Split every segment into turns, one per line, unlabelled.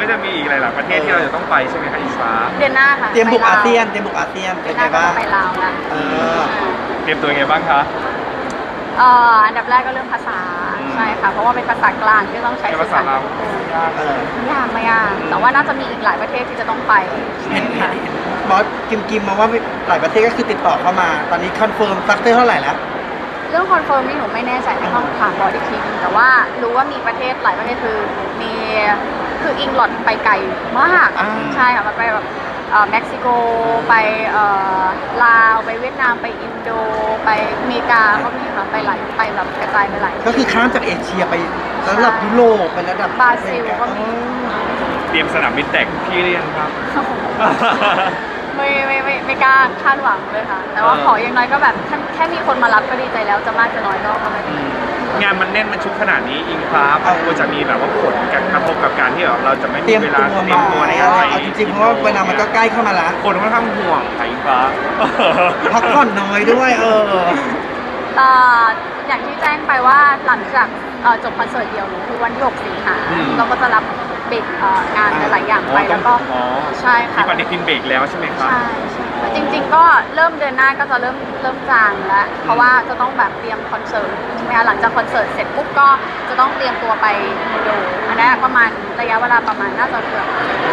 จะมีอีกหลายๆประเทศที่เราจะต้องไปใช่ไหมคะอิงฟ้า
เดือนหน้าค่ะ
เตรียมบุกอาเซียนเป็นไงบ้าง
ไปลาวนะ
เตรียมตัวยังไงบ้างคะ
อันดับแรกก็เรื่องภาษาใช่ค่ะเพราะว่าเป็นภาษากลางที่ต้องใช้
ภาษาเรา
ยากไม่ยากแต่ว่าน่าจะมีอีกหลายประเทศที่จะต้องไป
เห็นบอสกิมมาว่าหลายประเทศก็คือติดต่อเข้ามาตอนนี้คอนเฟิร์มซักเตอร์เท่าไหร่แล้ว
เรื่องคอนเฟิร์มนี่หนูไม่แน่ใจต้องถามบอสอีกทีนึงแต่ว่ารู้ว่ามีประเทศหลายประเทศคืออิงลอดไปไกลมากใช่ค่ะไปแบบเม็กซิโกไปลาวไปเวียดนามไปอินโดไปอเมริกาก็มีค่ะไปแบบกระจายไปหลาย
ก็คือข้ามจากเอเชียไประดับยุโรปไประดับบ
ราซิลก็มี
เตรียมสนามบินแตกพี่เรียนครับ
ไม่กล้าคาดหวังเลยค่ะแต่ว่าขออย่างน้อยก็แบบแค่มีคนมารับก็ดีใจแล้วจะมากจะน้อยก็ไม่เป็น
งานมันแน่นมันชุกขนาดนี้อิงฟ้าควรจะมีแบบว่าผลกระทบกับการที่เราจะไม่มีเวลาเตรียมตัวในการไป
จริงๆเพราะว่าเวลามันก็ใกล้เข้ามาแล้ว
คนค่อนข้างห่วงอิงฟ้า
พักผ่อนน้อยด้วย
อย่างที่แจ้งไปว่าหลังจากจบคอนเสิร์ตเดียวคือวันที่6 สิงหาเราก็จะรับเบรกงานหลายอย่างไปแล้วก็ใช่ค่ะ
ที่ปฏิทินเบรกแล้วใช่ไหมครับ
ใช่จริงๆก็เริ่มเดือนหน้าก็จะเริ่มจางแล้วเพราะว่าจะต้องแบบเตรียมคอนเสิร์ตใช่ไหมคะหลังจากคอนเสิร์ตเสร็จปุ๊บก็จะต้องเตรียมตัวไปโมโดอันนี้ประมาณระยะเวลาประมาณน่าจะเกือบ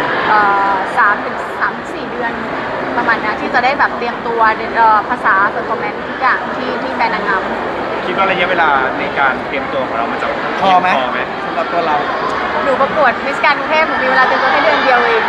3-4 เดือนประมาณนี้ที่จะได้แบบเตรียมตัวภาษาเซอร์คอมเมนต์ทุกอย่างที่แบรนด์นางงาม
คิดว่าระยะเวลาในการเตรียมตัวของเรามันจะ
พอไหมสำหรับตัวเรา
หนูประกวดมิสแกรนด์กรุงเทพหนูมีเวลาเตรียมตัวแค่เดือนเดียวเอง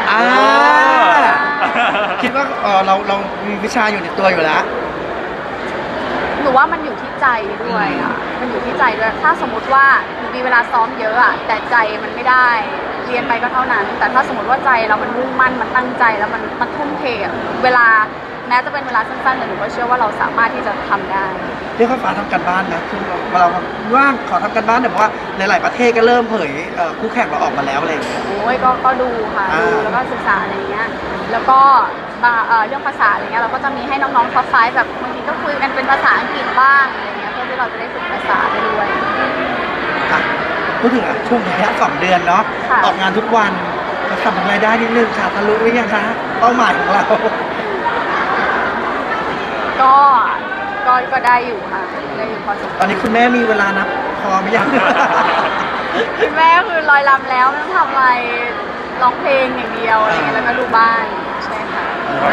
คิดว่าเรามีวิชาอยู่ในตัวอยู่แล้ว
หนูว่ามันอยู่ที่ใจด้วยมันอยู่ที่ใจด้วยถ้าสมมติว่าหนูมีเวลาซ้อมเยอะแต่ใจมันไม่ได้เรียนไปก็เท่านั้นแต่ถ้าสมมติว่าใจเรามันมุ่งมั่นมันตั้งใจแล้วมันทุ่มเทเวลาแม้จะเป็นเวลาสั้นๆแต่หนูก็เชื่อว่าเราสามารถที่จะทำได้
เรียกว่าฟ้าทำการบ้านนะคือเราว่างขอทำการบ้านแต่ว่าหลายๆประเทศก็เริ่มเผยคู่แข่งเราออกมาแล้วอะไรอย่างเงี้ย
โอ้ยก็ดูค่ะดูแล้วก็ศึกษาอะไรเงี้ยแล้วก็เรื่องภาษาอะไรเงี้ยเราก็จะมีให้น้องๆท็อปไฟว์แบบบางทีก็คุยกันเป็นภาษาอังกฤษบ้างอะไรเงี้ยเพื่อที่เราจะได้ฝึกภาษาไปด้วย
พูดถึงช่วงระยะ2 เดือนเนาะออกงานทุกวันจะทำรายได้นิดนึงค่ะทะลุหรือยังคะเป้าหมายของเรา
ก็ได้อยู่ค่ะได้อยู่พอสมควร
ตอนนี้คุณแม่มีเวลานับพอไหมยัง
คุณแม่คือลอยลำแล้วไม่ต้องทำอะไรร้องเพลงอย่างเดียวอะไรเงี้ยแล้วก็ดูบ้านใช่ค่ะ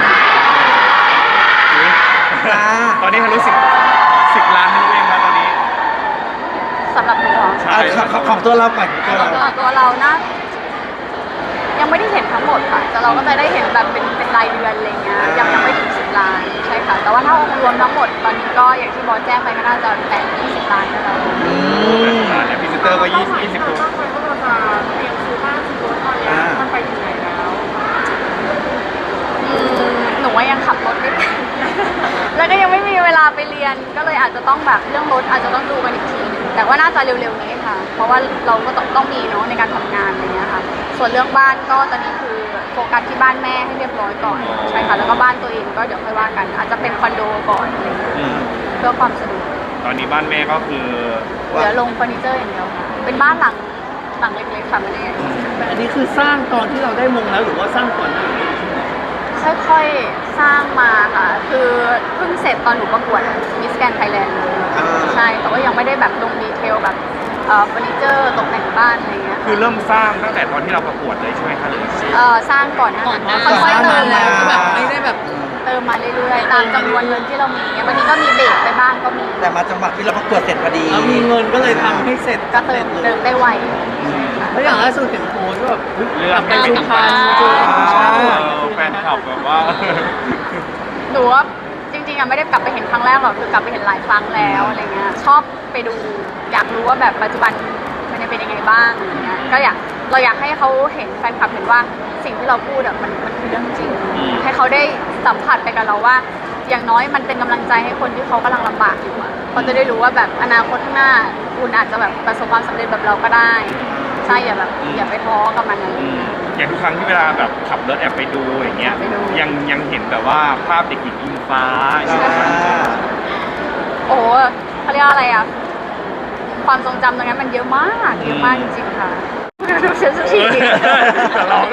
ตอนนี้ทะลุ10 ล้านทะลุเองครับตอนนี้
สำหรับหนู
ใช่
ของตัวเราก่อน
ตัวเรานะยังไม่ได้เห็นทั้งหมดค่ะแต่เราก็จะได้เห็นแบบเป็นรายเดือนอะไรเงี้ยยังไม่ถึง10 ล้านใช่ค่ะแต่ว่าถ้าองค์รวมทั้งหมดตอนนี้ก็อย่างที่บอสแจ้งไปก็น่าจะ20 ล้านแล้ว
แต่พรีเซนเตอร์ก็20 ตัว
เตรียมซื้อบ้านซื้อรถตอนนี้มันไปถึงไหนแล้วหนูว่ายังขับรถไม่เป็นแล้วก็ยังไม่มีเวลาไปเรียนก็เลยอาจจะต้องแบบเรื่องรถอาจจะต้องดูกันอีกทีนึงแต่ว่าน่าจะเร็วๆนี้ค่ะเพราะว่าเราก็ต้องมีเนาะในการทำงานอะไรเงี้ยค่ะส่วนเรื่องบ้านก็ตอนนี้คือโฟกัสที่บ้านแม่ให้เรียบร้อยก่อนใช่ค่ะแล้วก็บ้านตัวเองก็เดี๋ยวค่อยว่ากันอาจจะเป็นคอนโดก่อนอะไรเงี้ยเพื่อความสะดวก
ตอนนี้บ้านแม่ก็คือ
เหลือลงเฟอร์นิเจอร์อย่างเดียวค่ะเป็นบ้านหลังเล็กๆค่ะไม่ได้
แต่อันนี้คือสร้างตอนที่เราได้มงแล้วหรือว่าสร้างก่อนหน้านี้
ค่อยๆสร้างมาค่ะคือเพิ่งเสร็จตอนหนูประกวดมิสแกรนด์ไทยแลนด์ใช่แต่ว่ายังไม่ได้แบบลงดีเทลแบบเฟอร์นิเจอร์ตกแต่งบ้านอะไรเงี้ย
คือเริ่มสร้างตั้งแต่ตอนที่เราประกวดเลยใช่ไหมคะหรือ
สร้างก่อนนะค่อยๆเติมแล้ว
แบบไม่ได้แบบ
เติมมาเรื่อยๆตามจำนวนเงินที่เรามีบางทีก็มีเบรกไปบ้างก็มี
แต่มาจังหวะที่เราประกวดเสร็จพอดี
มีเงินก็เลยทำให้เสร็จ
ก็เติมได้ไว
แล้วอย่างล่าสุดเห็นโพสแบบ
เรื่อง
ไปสุพรรณ
แฟนคลับแบบว่า
หนูว่าจริงๆไม่ได้กลับไปเห็นครั้งแรกหรอกคือกลับไปเห็นหลายครั้งแล้วอะไรเงี้ยชอบไปดูอยากรู้ว่าแบบปัจจุบันมันจะเป็นยังไงบ้างอะไรเงี้ยก็เราอยากให้เขาเห็นแฟนคลับเห็นว่าสิ่งที่เราพูดมันคือเรื่องจริงให้เขาได้สัมผัสไปกับเราว่าอย่างน้อยมันเป็นกำลังใจให้คนที่เขากำลังลำบากอยู่เขาจะได้รู้ว่าแบบอนาคตข้างหน้าคุณอาจจะแบบประสบความสำเร็จแบบเราก็ได้ใช่อย่าไปท้อกับมันนะ
อย่างทุกครั้งที่เวลาแบบขับรถแอบไปดูอย่างเงี้ยยังเห็นแบบว่าภาพเด็กหญิงอิงฟ้า
โอ้เขาเรียกอะไรความทรงจำตรงนั้นมันเยอะมากจริงๆค่ะดูเซนซิทีฟ
ร้อง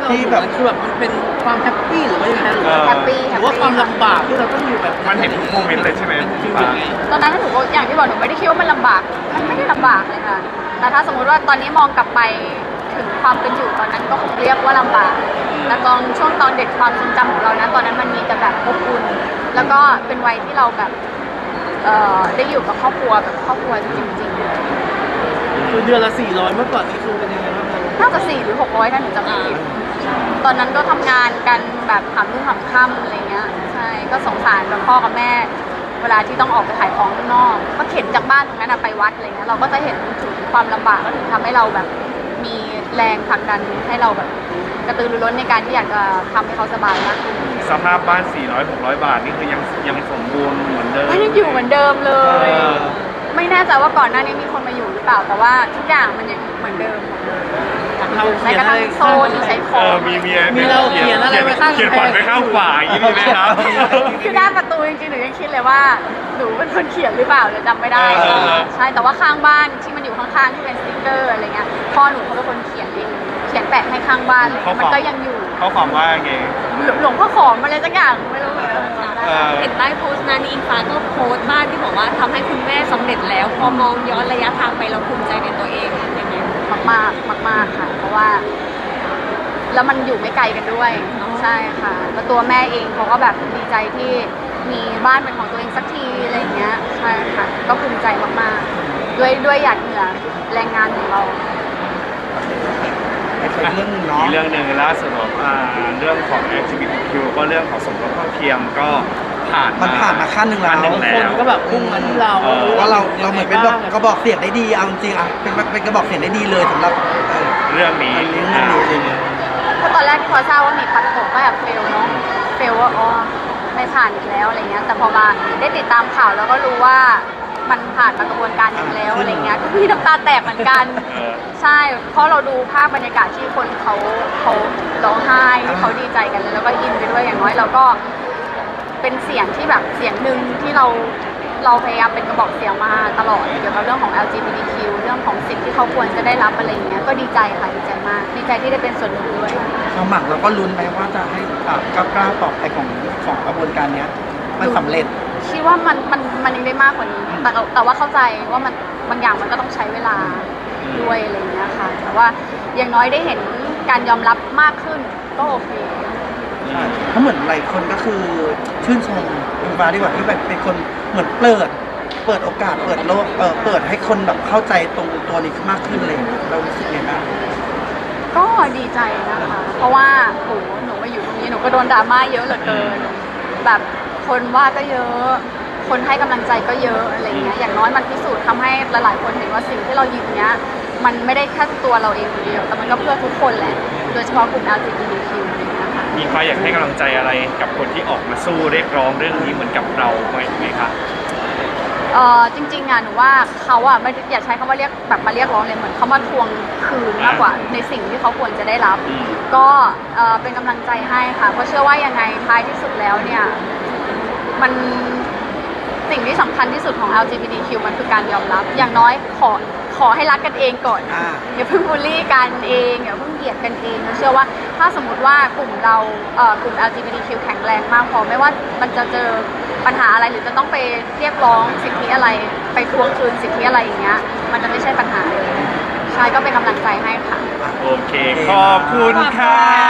ที่แบบ
คือแบบมันเป็นความแฮปปี้หรือว่ายังไงหรือ
แฮปปี้
หรือว่าความลำบากที่เราต้องอยู่แบบ
มันเห็นทุกโมเมนต์เลยใช่ไหม
จริงๆไง
ตอนนั้นหนูก็อย่างที่บอกหนูไม่ได้คิดว่ามันลำบากมันไม่ได้ลำบากเลยค่ะแต่ถ้าสมมุติว่าตอนนี้มองกลับไปถึงความเป็นอยู่ตอนนั้นก็คงเรียกว่าลำบากแต่ตอนช่วงตอนเด็กความทรงจำของเรานะตอนนั้นมันมีแต่แบบอบอุ่นแล้วก็เป็นวัยที่เราแบบได้อยู่กับครอบครัวแบบครอบครัวจริงๆ
คือเดือนละ400เมื่อก่อนนี่คือเป็นยังไงบ้างครับ
น่าจะ400 หรือ 600ถ้าหนูจำไม่ผิดตอนนั้นก็ทำงานกันแบบหามรุ่งหามค่ำอะไรเงี้ยใช่ก็สงสารกับพ่อกับแม่เวลาที่ต้องออกไปขายของข้างนอกก็เข็นจากบ้านตรงนั้นไปวัดอะไรเงี้ยเราก็จะเห็นถึงความลำบากก็ถึงทำให้เราแบบมีแรงผลักดันให้เราแบบกระตือรือร้นในการที่อยากจะทำให้เขาสบายมากขึ้น
สภาพบ้าน 400-600 บาทนี่คือยังสมบูรณ์เหมือนเดิม
ก็ยังอยู่เหมือนเดิมเลย
เออ
ไม่แน่ใจว่าก่อนหน้านี้มีคนมาอยู่หรือเปล่าแต่ว่าทุกอย่างมันยังเหมือนเดิมหมดเลย
เรา
ใน
เขียน
กระ
อะ
ทั่
ไรง
โซนที่ใช้ข
เอ
อง
อมี
เราเขียนอะไรไว้ข้าง
เขียนฝันไปข้างขวาอย่างนี้มีไหมครับ
คือหน้าประตูจริงๆหนูยังคิดเลยว่าหนูเป็นคนเขียนหรือเปล่าเดี๋ยวจำไม่ได้
เออ
ใช่แต่ว่าข้างบ้านที่มันอยู่ข้างๆที่เป็นสติ๊กเกอร์อะไรเงี้ยพ่อหนูเขาเป็นคนเขียนเองเขียนแปะให้ข้างบ้านเลยมันก็ยังอยู่
เขาความว่าไง
หลวงพ่อขอมอะไรสักอย่างไม่รู้เหมือนกัน
เออ
เห็นใต้โพสต์นั้นอิงฟ้าก็โพสต์บ้านที่บอกว่าทำให้คุณแม่สำเร็จแล้ว พอมองย้อนระยะทางไปเราภูมิใจในตัวเองยังไง
มากๆมากๆค่ะ เพราะว่า แล้วมันอยู่ไม่ไกลกันด้วย
อ๋อ
ใช่ค่ะแล้วตัวแม่เองเขาก็แบบดีใจที่มีบ้านเป็นของตัวเองสักทีอะไรอย่างเงี้ยใช่ค่ะก็ภูมิใจมากๆด้วยหยาดเหงื่อแรงงานของเรา
อีกเรื่องหนึงเนาะ
อีกเรื่องหนึ่งล่าสุดเรื่องของ LGBTQ ก็เรื่องของสมรสเท่าเทียมก็ผ่าน
มันผ่านมาขั้นหนึ่งแล้ว
คนก็แบบพุ่งมาที่เรา
ว่าเราเหมือนเป็นแบบกระบอกเสียงได้ดีเอาจริงๆอ่ะเป็นกระบอกเสียงได้ดีเลยสำหรับ
เรื่องนี้
เรื่องนี้
ก็ตอนแรกที่พอทราบว่ามีพัดตกก็แบบเฟลเนาะเฟลว่าอ๋อไม่ผ่านอีกแล้วอะไรเงี้ยแต่พอมาได้ติดตามข่าวแล้วก็รู้ว่ามันผ่านมากระบวนการหนึงแล้วอะไรเงี้ยก็มีน้ำตาแตกเหมือนกัน
เออ
ใช่ เพราะเราดูภาพบรรยากาศที่คนเขาร้องไห้ที่เขาดีใจกันแล้วก็อินไปด้วยอย่างน้อยเราก็เป็นเสียงที่แบบเสียงหนึ่งที่เราพยายามเป็นกระบอกเสียงมาตลอดเกี่ยวกับเรื่องของ LGBTQ เรื่องของสิทธิที่เขาควรจะได้รับอะไรอย่างเงี้ยก็ดีใจค่ะดีใจมากดีใจที่ได้เป็นส่วนหนึ่งด้วย
ความหมักเราก็ลุ้นไปว่าจะให้ก้าวต่อไปของกระบวนการเนี้ยมันสำเร็จ
คิดว่ามันยังได้มากกว่านี้แต่ว่าเข้าใจว่ามันบางอย่างมันก็ต้องใช้เวลาด้วยอะไรอย่างเงี้ยค่ะแต่ว่าอย่างน้อยได้เห็นการยอมรับมากขึ้นก็โอเค
เพราะเหมือนหลายคนก็คือชื่นชมคุณฟ้าดีกว่าที่แบบเป็นคนเหมือนเปิดโอกาสเปิดโลกเปิดให้คนแบบเข้าใจตรงตัวนี้มากขึ้นเลยเรารู้สึกไงบ้าง
ก็ดีใจนะคะ เพราะว่าโหหนูมาอยู่ตรงนี้หนูก็โดนดราม่าเยอะเหลือเกิน แบบคนว่าก็เยอะ คนให้กำลังใจก็เยอะอะไรเงี้ย อย่างน้อยมันพิสูจน์ทำให้หลายๆคนเห็นว่าสิ่งที่เรายืนเนี้ย มันไม่ได้แค่ตัวเราเองคนเดียว แต่มันก็เพื่อทุกคนแหละ โดยเฉพาะกลุ่ม LGBTQ อะไรเงี้ยค่ะ
มีใครอยากให้กำลังใจอะไรกับคนที่ออกมาสู้เรียกร้องเรื่องนี้เหมือนกับเราไหมคะ
จริงๆอ่ะหนูว่าเขาอ่ะไม่ได้อยากใช้คำว่าเรียกแบบมาเรียกร้องเลยเหมือนเขามาทวงคืนมากกว่าในสิ่งที่เขาควรจะได้รับ
อืม
ก็เป็นกำลังใจให้ค่ะเพราะเชื่อว่ายังไงท้ายที่สุดแล้วเนี่ยมันสิ่งที่สำคัญที่สุดของ LGBTQ มันคือการยอมรับ อย่างน้อยขอให้รักกันเองก่อน อย่าเพิ่งบูลลี่กันเองอย่าเพิ่งเหยียดกันเองเราเชื่อว่าถ้าสมมติว่ากลุ่มเรากลุ่ม LGBTQ แข็งแรงมากพอไม่ว่ามันจะเจอปัญหาอะไรหรือจะต้องไปเรียกร้องสิทธิอะไรไปทวงคืนสิทธิอะไรอย่างเงี้ยมันจะไม่ใช่ปัญหาเลยใช่ก็เป็นกำลังใจให้ค่ะ
โอเค ขอบคุณค่ะ